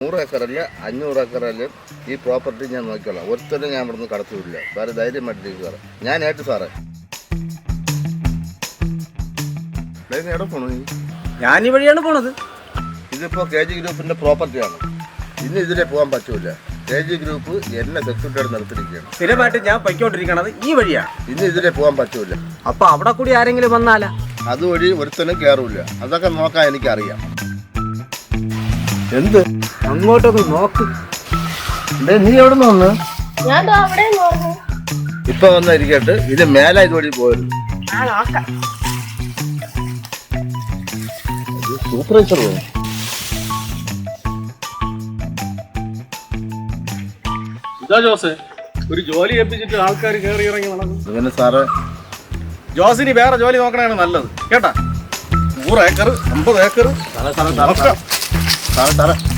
100 ഏക്കറല്ല 500 ഏക്കറല്ല ഈ പ്രോപ്പർട്ടി ഞാൻ നോക്കിക്കോളാം. ഒരുത്തരും ഞാൻ ഇവിടുന്ന് കടത്തിവിടില്ല. വേറെ ധൈര്യമായിട്ടിരിക്കും സാറേ. ഞാൻ ഏറ്റു സാറേ. എവിടെ പോണു നീ? ഞാൻ ഈ വഴിയാണ് പോണത്. ഇതിപ്പോൾ KG ഗ്രൂപ്പിന്റെ പ്രോപ്പർട്ടിയാണ്. ഇനി ഇതിലെ പോകാൻ പറ്റൂല. KG ഗ്രൂപ്പ് എന്നെ സെക്യൂരിറ്റിയോട് നിർത്തിയിരിക്കുകയാണ്. സ്ഥിരമായിട്ട് ഞാൻ പൊയ്ക്കൊണ്ടിരിക്കണത് ഈ വഴിയാണ്. ഇനി ഇതിലെ പോകാൻ പറ്റൂല. അപ്പൊ അവിടെ കൂടി ആരെങ്കിലും വന്നാലാ? അതുവഴി ഒരുത്തനും കയറൂല. അതൊക്കെ നോക്കാൻ എനിക്കറിയാം. എന്ത് അങ്ങോട്ടൊന്ന് നോക്ക്. നീ എവിടെ നിന്ന് വന്ന്? ഞാൻ അവിടെ നോക്കും. ഇപ്പൊ വന്നിരിക്കട്ടെ. ഇത് മേലെ ഇതുവഴി പോരുത്. സൂപ്പർവൈസർ പോകും. ജോസ് ഒരു ജോലി ഏൽപ്പിച്ചിട്ട് ആൾക്കാർ കയറി ഇറങ്ങി നടക്കും. അങ്ങനെ സാറ് ജോസിന് വേറെ ജോലി നോക്കണതാണ് നല്ലത് കേട്ടാ. 100 ഏക്കർ 50 ഏക്കർ സാറേ